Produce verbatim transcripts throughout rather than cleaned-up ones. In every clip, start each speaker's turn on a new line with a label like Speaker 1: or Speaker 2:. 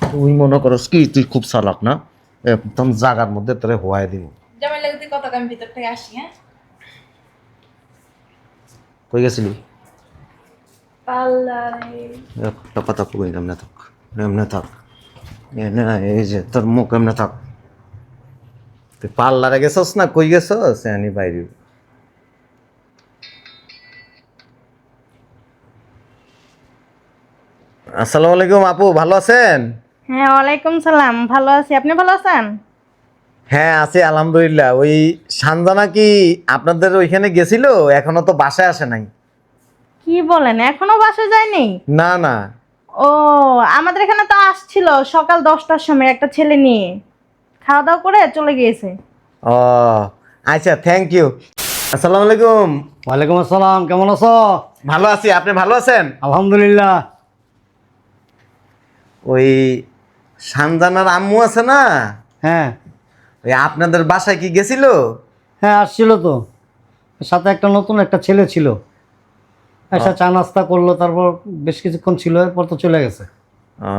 Speaker 1: তুই মনে করস কি তুই খুব চালাক না? একদম জাগার মধ্যে তোরে হোয়াই দিব।
Speaker 2: জামাই লাগে তুই কত আমি ভিতর থেকে আসি। হ্যাঁ,
Speaker 1: কই গেছিলি?
Speaker 2: পার্লারে।
Speaker 1: একটা কথা কই, এমনে থাক, এমনে থাক। এ না, এই যে তোর মুখ এমনে থাক। তুই পার্লারে গেছস না কই গেছস? আনি বাইরে। আসসালামু আলাইকুম আপু, ভালো আছেন?
Speaker 2: হ্যাঁ, ওয়ালাইকুম সালাম। ভালো আছি, আপনি ভালো আছেন?
Speaker 1: হ্যাঁ আছি আলহামদুলিল্লাহ। ওই সানজানা কি আপনাদের ওইখানে গেছিল? এখনো তো বাসায় আসে নাই।
Speaker 2: কি বলেন, এখনো বাসায় যায়নি?
Speaker 1: না না।
Speaker 2: ও, আমাদের এখানে তো আসছিল সকাল দশটার সময় একটা ছেলে নিয়ে, খাওয়া দাওয়া করে চলে গিয়েছে।
Speaker 1: ও আচ্ছা, থ্যাংক ইউ। আসসালামু আলাইকুম।
Speaker 3: ওয়ালাইকুম আসসালাম, কেমন আছো?
Speaker 1: ভালো আছি, আপনি ভালো আছেন?
Speaker 3: আলহামদুলিল্লাহ।
Speaker 1: ওই সানজানার আম্মু আছে না,
Speaker 3: হ্যাঁ
Speaker 1: ওই আপনাদের বাসায় কি গেছিল?
Speaker 3: হ্যাঁ আসছিল তো, সাথে একটা নতুন একটা ছেলে ছিল। এসে চা নাস্তা করলো, তারপর বেশ কিছুক্ষণ ছিল, এরপর তো চলে গেছে।
Speaker 1: ও,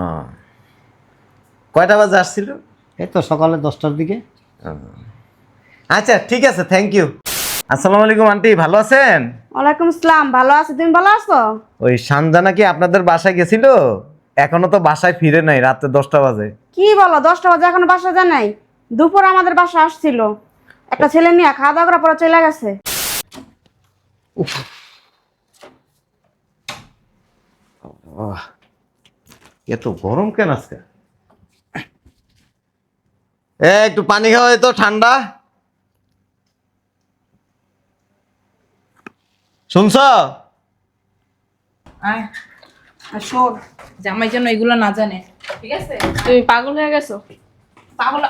Speaker 1: কয়টা বাজে আসছিল?
Speaker 3: এই তো সকালে দশটার দিকে।
Speaker 1: আচ্ছা ঠিক আছে, থ্যাংক ইউ। আসসালামু আলাইকুম আন্টি, ভালো আছেন?
Speaker 4: ওয়ালাইকুম আসসালাম, ভালো আছি, তুমি ভালো আছো?
Speaker 1: ওই সানজানা কি আপনাদের বাসায় গেছিল? এখনো তো বাসায় ফিরে নাই, রাতে দশটা বাজে।
Speaker 4: কি বলো, দশটা বাজে এখনো বাসা যায় নাই? দুপুর আমাদের বাসা আসছিল একটা ছেলে নিয়ে, খাওয়া দাওয়া করার পরে চলে গেছে।
Speaker 1: আহ, এত গরম কেন আজকে? এ একটু পানি খাওয়া তো, ঠান্ডা। শুনছ?
Speaker 2: আয়, আর শোন, জামাই যেন এগুলো না জানে, ঠিক আছে?
Speaker 5: তুমি পাগল হয়ে গেছো?
Speaker 2: পাগল।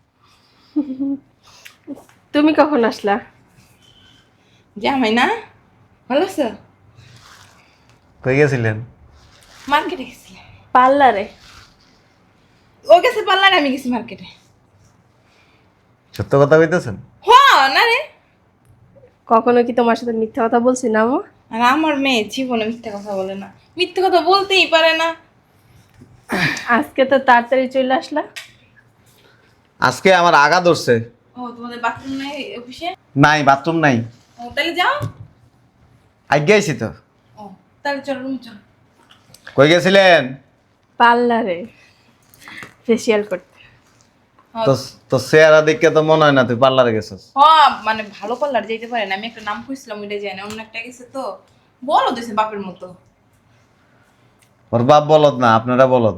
Speaker 5: তুমি কখন আসলা?
Speaker 2: জামাই না ভালো আছো?
Speaker 1: কই গেছিলেন?
Speaker 2: মার্কেটে গেছি।
Speaker 5: পার্লারে।
Speaker 2: ও গেছে পার্লারে, আমি গেছি মার্কেটে।
Speaker 1: সত্য কথা কইতেছেন?
Speaker 2: হ, না রে।
Speaker 5: কখনো কি তোমার সাথে মিথ্যা কথা বলছি না মা?
Speaker 2: আর আমার মেয়ে জীবনে মিথ্যে কথা বলে না, মিথ্যে কথা বলতেই পারে না।
Speaker 5: আজকে তো তাড়াতাড়ি চলে আসলা।
Speaker 1: আজকে আমার আগা ধরছে।
Speaker 2: ও, তোমাদের বাথরুম নাই অফিসে?
Speaker 1: নাই, বাথরুম নাই।
Speaker 2: ও, তাহলে যাও।
Speaker 1: আগে আইছি তো।
Speaker 2: ও, তাহলে চলো রুম চলো।
Speaker 1: কই গেছিলেন?
Speaker 5: পার্লারে ফেসিয়াল করতে।
Speaker 2: হ্যাঁ,
Speaker 1: তো তো চেহারা দেখে তো মনে হয় না তুই পার্লারে গেছিস।
Speaker 2: হ্যাঁ, মানে ভালো পার্লার যেতে পারে না, আমি একটা নাম খুঁজছিলাম, ওইটা যায় না, অন্য একটা গেছে তো। বলো দিছে বাপের মতো।
Speaker 1: ওর বাপ বলদ না, আপনারা বলদ।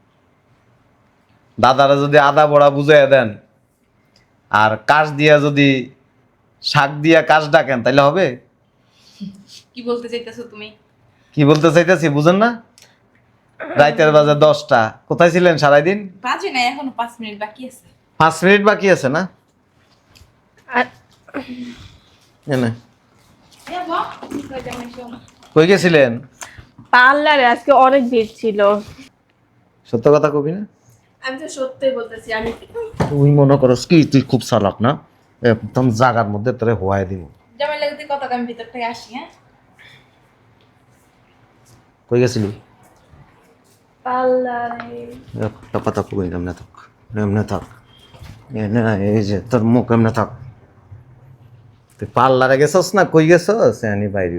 Speaker 1: দাদারা যদি আদা বড়া বুঝাইয়া দেন, আর কাশ দিয়া যদি শাক দিয়া কাশ ডাকেন, তাইলে হবে?
Speaker 2: কি বলতে চাইতেছো তুমি?
Speaker 1: কি বলতে চাইতেছি বুঝেন না? রাইতের বাজে দশটা, কোথায় ছিলেন সারাদিন?
Speaker 2: বাজে নাই, এখনো পাঁচ মিনিট বাকি আছে।
Speaker 1: পাঁচ মিনিট বাকি আছে না?
Speaker 5: আর
Speaker 1: এনে।
Speaker 2: এ বাহ, কই জামাই শোনো।
Speaker 1: কই গেছিলেন?
Speaker 5: পার্লারে আজকে অনেক ভিড় ছিল।
Speaker 1: সত্য কথা কবি না?
Speaker 5: আমি তো সত্যিই বলতেছি। আমি
Speaker 1: তুই মনে করস কি তুই খুব চালাক না? একদম জাগার মধ্যে তোরে হোয়াই দিব।
Speaker 2: জামাই লাগে তুই কত আমি ভিতর থেকে আসি। হ্যাঁ,
Speaker 1: কই গেছিলি?
Speaker 5: পার্লারে।
Speaker 1: একটা কথা কবি, এমনে থাক, এমনে থাক। এ না, এই যে তোর মুখ এমনে থাক। তুই পার্লারে গেছস না কই গেছস? আনি বাইরে।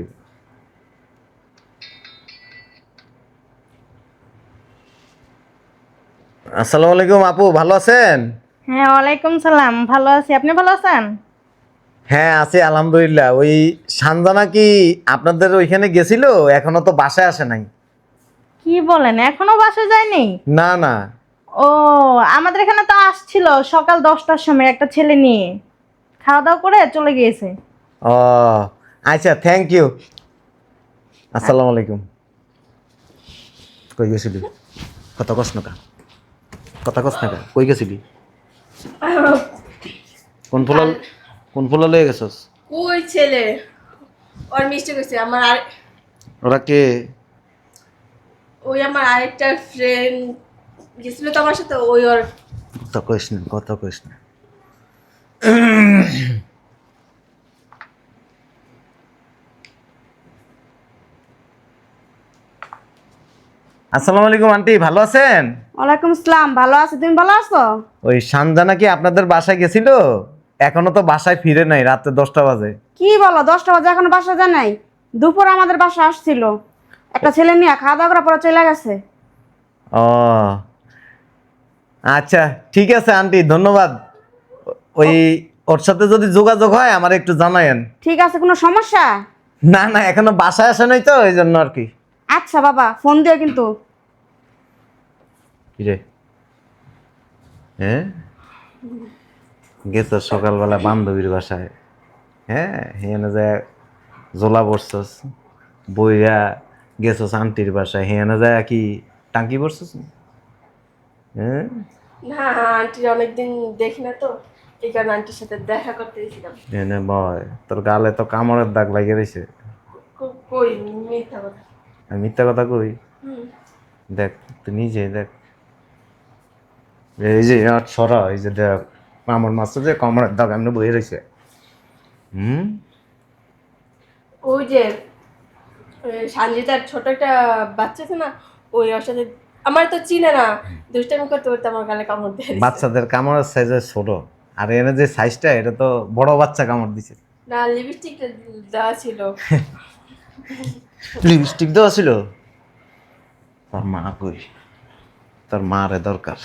Speaker 1: আসসালামু আলাইকুম আপু, ভালো আছেন?
Speaker 2: হ্যাঁ, ওয়ালাইকুম সালাম। ভালো আছি, আপনি ভালো আছেন?
Speaker 1: হ্যাঁ আছি আলহামদুলিল্লাহ। ওই সানজানা কি আপনাদের ওইখানে গেছিল? এখনো তো বাসায় আসে নাই।
Speaker 2: কি বলেন, এখনো বাসায় যায়নি?
Speaker 1: না না।
Speaker 2: ও, আমাদের এখানে তো আসছিল সকাল দশটার সময় একটা ছেলে নিয়ে, খাওয়া দাওয়া করে চলে গিয়েছে।
Speaker 1: ও আচ্ছা, থ্যাংক ইউ। আসসালামু আলাইকুম। কই গেছিলি? কথা কস না কা, কথা কস না কা, কই গেছিলি? কোন ফুলা, কোন ফুলা লয়ে গেছস?
Speaker 5: ওই ছেলে ওর মিষ্টি কইছে আমার আর
Speaker 1: ওরা কে?
Speaker 5: ওই আমার আরেকটা ফ্রেন্ড গেছিল তো আমার সাথে, ওই ওর।
Speaker 1: কথা কইস না, কথা কইস না। আসসালামু আলাইকুম আন্টি, ভালো আছেন?
Speaker 4: ওয়ালাইকুম আসসালাম, ভালো আছি, তুমি ভালো আছো?
Speaker 1: ওই সানজানা কি আপনাদের বাসায় গেছিল? এখনো তো বাসায় ফিরে নাই, রাতে দশটা বাজে।
Speaker 4: কি বলো, দশটা বাজে এখনো বাসা যায় নাই? দুপুর আমাদের বাসা আসছিল একটা ছেলে নিয়ে, খাওয়া দাওয়া করার পরে চলে গেছে।
Speaker 1: ও আচ্ছা, ঠিক আছে আন্টি, ধন্যবাদ। ওই ওর সাথে যদি যোগাযোগ হয় আমার একটু জানায়েন।
Speaker 4: ঠিক আছে, কোনো সমস্যা?
Speaker 1: না না, এখনো বাসায় আসে নাই তো, এই জন্য আর কি।
Speaker 4: আচ্ছা বাবা, ফোন দিও কিন্তু।
Speaker 1: কিরে, হ্যাঁ গেছ সকালবেলা বান্ধবীর বাসায়? হ্যাঁ, হেনে যায় জোলা পড়ছস, বইয়া গেছস আন্টির বাসায়, হেনে যায় কি টাঙ্কি পড়ছস? হ্যাঁ
Speaker 5: না আন্টির অনেকদিন দেখি না তো, এই কারণে আন্টির সাথে দেখা করতে গেছিলাম।
Speaker 1: এনে বয়, তোর গালে তো কামড়ের দাগ লাগিয়ে রয়েছে।
Speaker 5: কো- কই মিথ্যা কথা।
Speaker 1: আমি মিথ্যা কথা কই?
Speaker 5: হুম।
Speaker 1: দেখ তুই নিজে দেখ, এই যে আর ছড়া, এই যে দেখ আমার মাছ যে কামড়ের দাগ এমনি বয়ে রয়েছে। হুম,
Speaker 5: ওই যে সানজিতার ছোট একটা বাচ্চা আছে না, ওই ওর সাথে আমার তো চিনে না, দুষ্টামি করতে করতে আমার গালে কামড় দিয়ে দিছে।
Speaker 1: বাচ্চাদের কামড়ের সাইজ ছোট, আর এনে যে সাইজটা এটা তো বড় বাচ্চা কামড় দিছে।
Speaker 5: না লিপস্টিক দেওয়া ছিল।
Speaker 1: লিপস্টিক দেওয়া ছিল? তোর মা কই? তোর মা রে দরকার।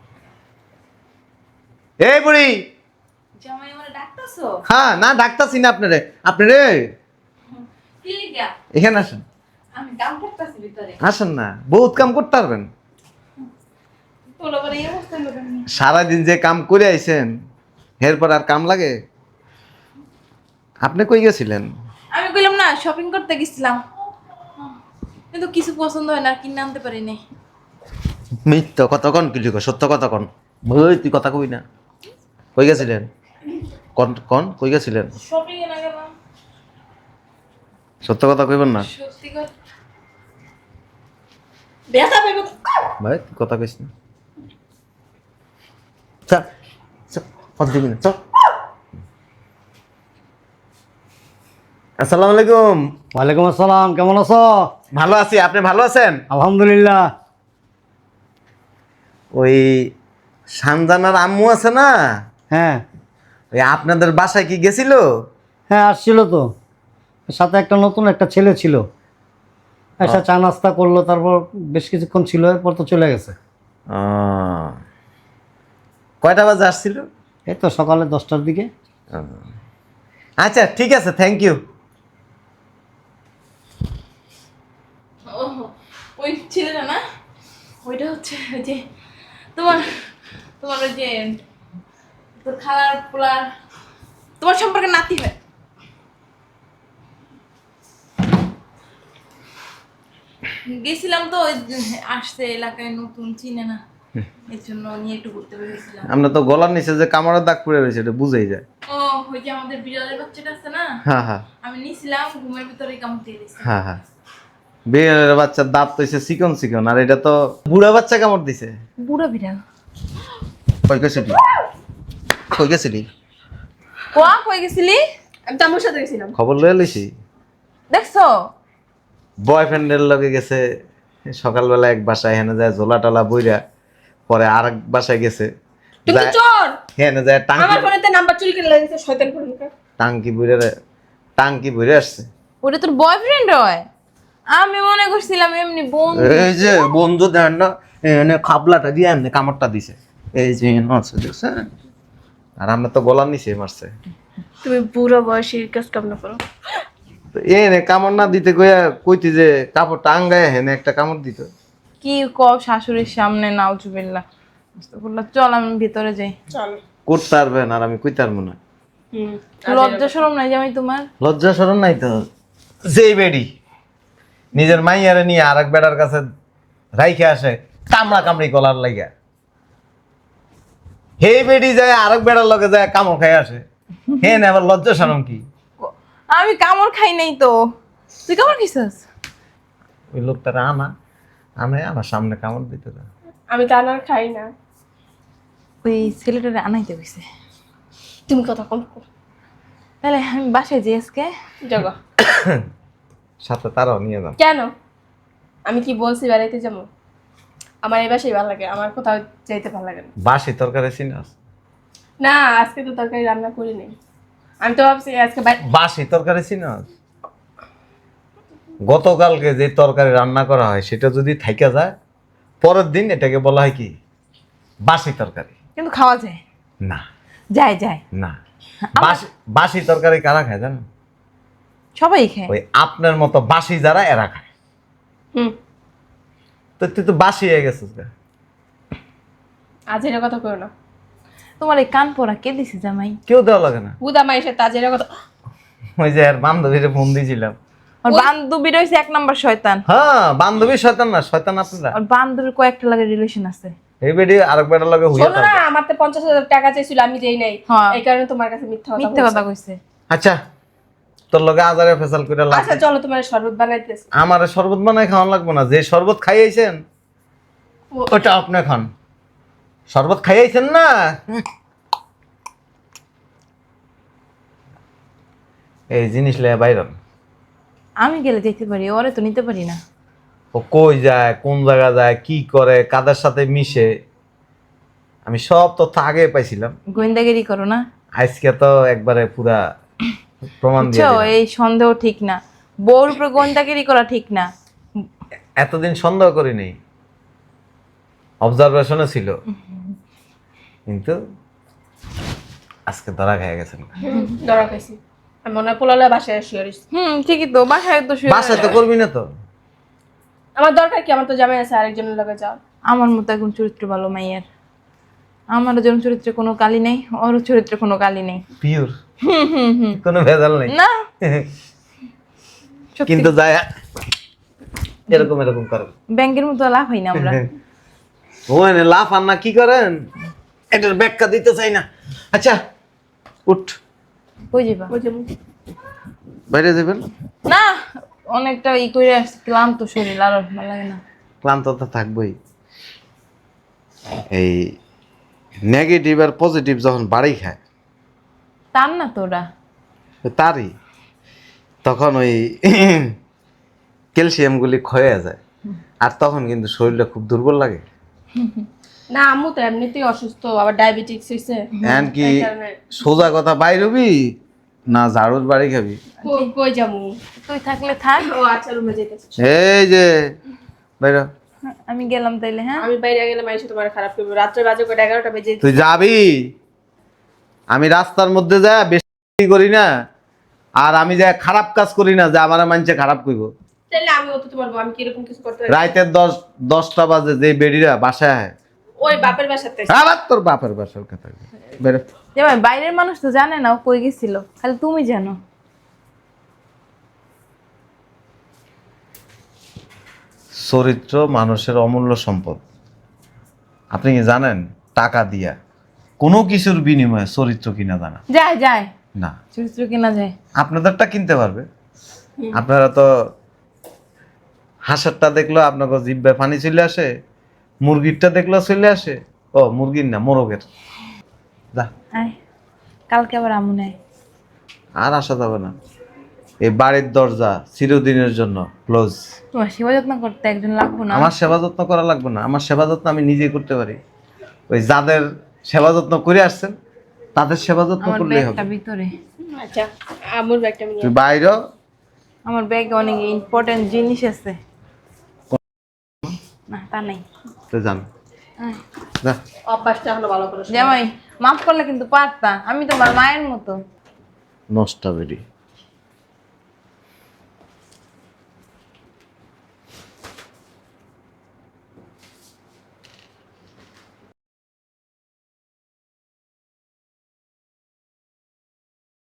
Speaker 1: এই বুড়ি,
Speaker 6: জামাই আমার ডাকতাছো?
Speaker 1: হ্যাঁ না ডাকতাছি না আপনারে, আপনারে
Speaker 6: কি লিগা?
Speaker 1: এখানে আসেন,
Speaker 6: আমি কাম করতেছি ভিতরে।
Speaker 1: আসেন না, বহুত কাম করতে পারবেন।
Speaker 6: তোলা পরে এই অবস্থা হলো কেন?
Speaker 1: সারাদিন যে কাম করে আইছেন এরপর আর কাম লাগে? আপনি কই গেছিলেন?
Speaker 6: আমি কইলাম না শপিং করতে গেছিলাম, কিন্তু কিছু পছন্দ হয় না, কিনে আনতে পারি নাই।
Speaker 1: মিথ্যা কথা কন, কি লিখো সত্য কথা কন। ওই তুই কথা কই না, কই গেছিলেন? কন কন কই গেছিলেন?
Speaker 6: শপিং এ না গেলাম।
Speaker 1: সত্য কথা কইবেন না
Speaker 6: সত্যি কথা।
Speaker 5: ব্যথা পাইব।
Speaker 1: ভাই, তুই কথা কইস না। চল চল, পথ দিবি না, চল। আসসালামু আলাইকুম।
Speaker 3: ওয়ালাইকুম আসসালাম, কেমন আছো?
Speaker 1: ভালো আছি, আপনি ভালো আছেন?
Speaker 3: আলহামদুলিল্লাহ।
Speaker 1: ওই সানজানার আম্মু আছে না,
Speaker 3: হ্যাঁ
Speaker 1: ওই আপনাদের বাসায় কি গেছিল?
Speaker 3: হ্যাঁ আসছিল তো, সাথে একটা নতুন একটা ছেলে ছিল, এসে চা নাস্তা করলো, তারপর বেশ কিছুক্ষণ ছিল, এরপর তো চলে গেছে।
Speaker 1: আহ, কয়টা বাজে আসছিল?
Speaker 3: এই তো সকালে দশটার দিকে।
Speaker 1: আচ্ছা ঠিক আছে, থ্যাংক ইউ।
Speaker 6: ও ওই ছেলেটা না, ওইটা হচ্ছে ওই যে তোমার তোমার ওই যে তোর খালার পোলার তোমার সম্পর্কে নাতি হয়। গেছিলাম তো, ওই আসছে এলাকায় নতুন, চিনে না, এর জন্য নিয়ে একটু ঘুরতে বেরিয়েছিলাম।
Speaker 1: আমরা তো গলার নিচে যে কামড়ের দাগ পড়ে রয়েছে এটা বুঝেই যায়।
Speaker 6: ও ওই যে আমাদের বিড়ালের বাচ্চাটা আছে না,
Speaker 1: হ্যাঁ হ্যাঁ
Speaker 6: আমি নিছিলাম, ঘুমের ভিতরে কামড় দিয়ে দিয়েছি।
Speaker 1: হ্যাঁ হ্যাঁ, বিড়ালের বাচ্চার দাঁত তো হইছে চিকন চিকন, আর এটা তো বুড়া বাচ্চা কামড় দিছে।
Speaker 6: বুড়ো বিড়াল।
Speaker 1: কই গেছিলি? কই গেছিলি?
Speaker 6: কোয়া কই গেছিলি?
Speaker 5: আমি তো আমার সাথে গেছিলাম।
Speaker 1: খবর লয়ে লইছি,
Speaker 6: দেখছো?
Speaker 1: বয়ফ্রেন্ডের লগে গেছে সকালবেলা এক বাসায়, হেনে যায় ঝোলা টালা বইরা, পরে আর এক বাসায় গেছে,
Speaker 5: তুমি তো চোর।
Speaker 1: হেনে যায় টাঙ্কি
Speaker 5: আমার ফোনেতে নাম্বার চুরি করে লাগিয়েছে শয়তান ফোনটা।
Speaker 1: টাঙ্কি বইরে টাঙ্কি বইরে আসছে।
Speaker 6: ওটা তোর বয়ফ্রেন্ড হয়? আমি মনে করছিলাম এমনি বোন।
Speaker 1: এই যে বন্ধু দেন না, এনে খাবলাটা দিয়ে এমনি কামড়টা দিছে, এই যে এনে আছে দেখছেন, আর আমরা তো গলার নিচে মারছে।
Speaker 5: তুমি বুড়ো বয়সী কাজ কাম না করো।
Speaker 1: তো এনে কামড় না দিতে কইয়া কইতি যে কাপড়টা আঙ্গায় হেনে একটা কামড় দিত।
Speaker 6: কি কও শাশুড়ির সামনে, নাউজুবিল্লাহ। আস্তাগফিরুল্লাহ। চল আমি ভিতরে যাই।
Speaker 5: চল।
Speaker 1: করতে পারবেন আর আমি কইতে পারবো না।
Speaker 5: হুম।
Speaker 6: লজ্জা শরম নাই জামাই তোমার?
Speaker 1: লজ্জা শরম নাই তো? যেই বেডি নিজের মাইয়ারে নিয়ে আর এক বেড়ার কাছে রাইখে আসে কামড়া কামড়ি কলার লাগিয়া, হে বেডি যায় আরেক বেড়ার লগে যায় কামড় খাই আসে, হে না আবার লজ্জা শরম কি?
Speaker 6: আমি কামড় খাই নাই তো। তুই কামড় খাইছিস?
Speaker 1: ওই লোকটারে আনা আনে আমার সামনে কামড় দিতে না।
Speaker 5: আমি তো আনার খাই না।
Speaker 6: ওই ছেলেটারে আনাইতে হইছে।
Speaker 5: তুমি কথা কম করো।
Speaker 6: তাহলে আমি বাসায় যাই আজকে।
Speaker 5: জগা।
Speaker 1: সাথে তারাও নিয়ে যান।
Speaker 5: কেন? আমি কি বলছি বেড়াইতে যাবো? আমার এই বাসাই ভালো লাগে, আমার কোথাও যেতে ভালো লাগে না।
Speaker 1: বাসি তরকারি চিনাস?
Speaker 5: না আজকে তো তরকারি রান্না করি নাই, আমি তো ভাবছি আজকে বাই-
Speaker 1: বাসি তরকারি চিনাস? গতকালকে যে তরকারি রান্না করা হয় সেটা যদি থাইকা যায়, পরের দিন এটাকে বলা হয় কি? বাসি তরকারি।
Speaker 6: কিন্তু খাওয়া যায়,
Speaker 1: না
Speaker 6: যায় যায়,
Speaker 1: না, বাসি বাসি তরকারি কারা খায় জানো?
Speaker 6: সবাই খায়।
Speaker 1: ওই আপনার মতো বাসি যারা এরা খায়।
Speaker 5: হুম
Speaker 1: তো তুই তো বাসি হয়ে গেছিস গা।
Speaker 5: আজ এর কথা কইও না,
Speaker 6: তোমার এই কান পড়া কে দিছে জামাই?
Speaker 1: কেউ দেওয়া লাগে না।
Speaker 5: বুদা মাইসে তাজের কথা।
Speaker 1: ওই যে আর বান্ধবীরে ফোন দিয়েছিলাম।
Speaker 6: ওর বান্ধবী রয়েছে এক নাম্বার শয়তান।
Speaker 1: হ্যাঁ বান্ধবী শয়তান না, শয়তান আপনারা।
Speaker 6: ওর বান্ধবীর কয়েকটা লাগে রিলেশন আছে।
Speaker 1: এই বেডি আরেক বেটার লগে হইয়া
Speaker 5: শোনো না,
Speaker 1: থাকে।
Speaker 5: আমার তো পঞ্চাশ হাজার টাকা চাইছিল, আমি দেই নাই,
Speaker 6: হ্যাঁ।
Speaker 5: এই কারণে তোমার কাছে মিথ্যা কথা
Speaker 6: মিথ্যে কথা
Speaker 5: বলছি।
Speaker 6: কইছে।
Speaker 1: আচ্ছা তোর লগে আজারে ফেসাল করে লাভ
Speaker 5: আচ্ছা চলো তোমার শরবত বানাইতেছি।
Speaker 1: আমার শরবত বানাই খাওয়ান লাগবে না। যে শরবত খাইয়েছেন
Speaker 5: ও-
Speaker 1: ওটা আপনি খান। শরবত খাইয়েছেন না, এই জিনিস লয়ে বাইরন।
Speaker 6: আমি গেলে যেতে পারি, ওরে তো নিতে পারি না।
Speaker 1: ও কই যায়, কোন জায়গা যায়, কি করে, কাদের সাথে মিশে, আমি সব তথ্য আগে পাইছিলাম।
Speaker 6: গোয়েন্দাগিরি করো না,
Speaker 1: আজকে তো একবারে পুরা প্রমাণ দিয়ে
Speaker 6: বুঝছো?
Speaker 1: দিলাম।
Speaker 6: এই সন্দেহ ঠিক না, বউর উপরে গোয়েন্দাগিরি করা ঠিক না।
Speaker 1: এতদিন সন্দেহ করিনি, অবজারভেশনে ছিল, কিন্তু আজকে ধরা খেয়ে গেছেন।
Speaker 5: ধরা খাইছি, আমি মনে হয় পোলালে বাসায় শুয়ে রইছি।
Speaker 6: হুম ঠিকই তো, বাসায় তো শুয়ে-
Speaker 1: বাসায় তো করবি না তো।
Speaker 5: আমার দরকার কি, আমার তো জামাই আছে আরেকজনের লগে যাও।
Speaker 6: আমার মতো এখন চরিত্র ভালো মাইয়ার, আমার যেমন চরিত্রে কোনো কালি নেই, ওর চরিত্রে কোনো কালি নেই।
Speaker 1: পিওর,
Speaker 6: হুম হুম হুম
Speaker 1: কোনো ভেজাল নেই।
Speaker 6: না সত্যি।
Speaker 1: কিন্তু যায় এরকম এরকম করেন।
Speaker 6: ব্যাংকের মতো লাভ হয় না আমরা।
Speaker 1: ওই লাফ আর না কি করেন, এটার ব্যাখ্যা দিতে চাই না। আচ্ছা উঠ,
Speaker 6: কই যাবা?
Speaker 5: ওই যে
Speaker 1: বাইরে যাবেন।
Speaker 6: না অনেকটা ই করে আসছে, ক্লান্ত শরীর, আর ভালো লাগে না।
Speaker 1: ক্লান্ত তো থাকবোই। এই নেগেটিভ আর পজিটিভ যখন বাড়ি খায়
Speaker 6: তার না তোরা
Speaker 1: তারই তখন ওই ক্যালসিয়ামগুলি ক্ষয়ে যায়, আর তখন কিন্তু শরীরটা খুব দুর্বল লাগে।
Speaker 5: না আম্মু তো এমনিতেই অসুস্থ, আবার ডায়াবেটিক্স হইছে,
Speaker 1: এন কি
Speaker 5: এই কারণে।
Speaker 1: সোজা কথা বাইরবি না ঝাড়ুর বাড়ি খাবি?
Speaker 5: কই- কই যামু?
Speaker 6: তুই থাকলে থাক,
Speaker 5: ও আচ্ছা রুমে যাইতেছি।
Speaker 1: এই যে বাইর,
Speaker 6: আমি গেলাম তাইলে। হ্যাঁ
Speaker 5: আমি বাইরে গেলে মাইসে তোমার খারাপ করবে, রাত্রে বাজে করে এগারোটা বেজে।
Speaker 1: তুই যাবি, আমি রাস্তার মধ্যে যা বেশি করি না, আর আমি যা খারাপ কাজ করি না যে আমার মানুষে খারাপ করব।
Speaker 5: তাহলে আমি অত তোমার বউ, আমি কিরকম কিছু করতে পারি?
Speaker 1: রাইতের দশ দশটা বাজে যে বেডিরা বাসায় আয়,
Speaker 5: ওই বাপের বাসাতে।
Speaker 1: আবার তোর বাপের বাসার কথা বেরো।
Speaker 6: জামাই বাইরের মানুষ তো জানে না ও কই গেছিল, খালি তুমি জানো।
Speaker 1: চরিত্র মানুষের অমূল্য সম্পদ। আপনি কি জানেন টাকা দিয়া কোনো কিছুর বিনিময়ে চরিত্র কিনা জানা
Speaker 6: যায় যায়,
Speaker 1: না?
Speaker 6: চরিত্র কেনা যায়।
Speaker 1: আপনাদেরটা কিনতে পারবে, আপনারা তো হাঁসেরটা দেখলো আপনাকে জিব্বায় পানি চলে আসে, মুরগিরটা দেখলো চলে আসে। ও মুরগির না, মোরগের। যা,
Speaker 6: আয় কালকে আবার আমু নেয়।
Speaker 1: আর আসা যাবে না। এই বাড়ির দরজা চিরদিনের জন্য ক্লোজ।
Speaker 6: তোমার সেবা যত্ন করতে একজন লাগবো না?
Speaker 1: আমার সেবা যত্ন করা লাগবে না, আমার সেবা যত্ন আমি নিজেই করতে পারি। ওই যাদের সেবা যত্ন করে আসছেন তাদের সেবা যত্ন
Speaker 6: আমার
Speaker 1: করলেই হবে।
Speaker 6: ব্যাগটা ভিতরে,
Speaker 5: আচ্ছা আম্মুর ব্যাগটা আমি নিয়ে
Speaker 1: তুই বাইরে
Speaker 6: আমার ব্যাগে অনেক ইম্পর্টেন্ট জিনিস আছে। না তা নাই।
Speaker 1: তো যান,
Speaker 6: আয়।
Speaker 1: যা।
Speaker 5: অভ্যাসটা হলো ভালো করে।
Speaker 6: জামাই মাফ করলে কিন্তু পারতা, আমি তোমার মায়ের মতো।
Speaker 1: নষ্ট বেরি।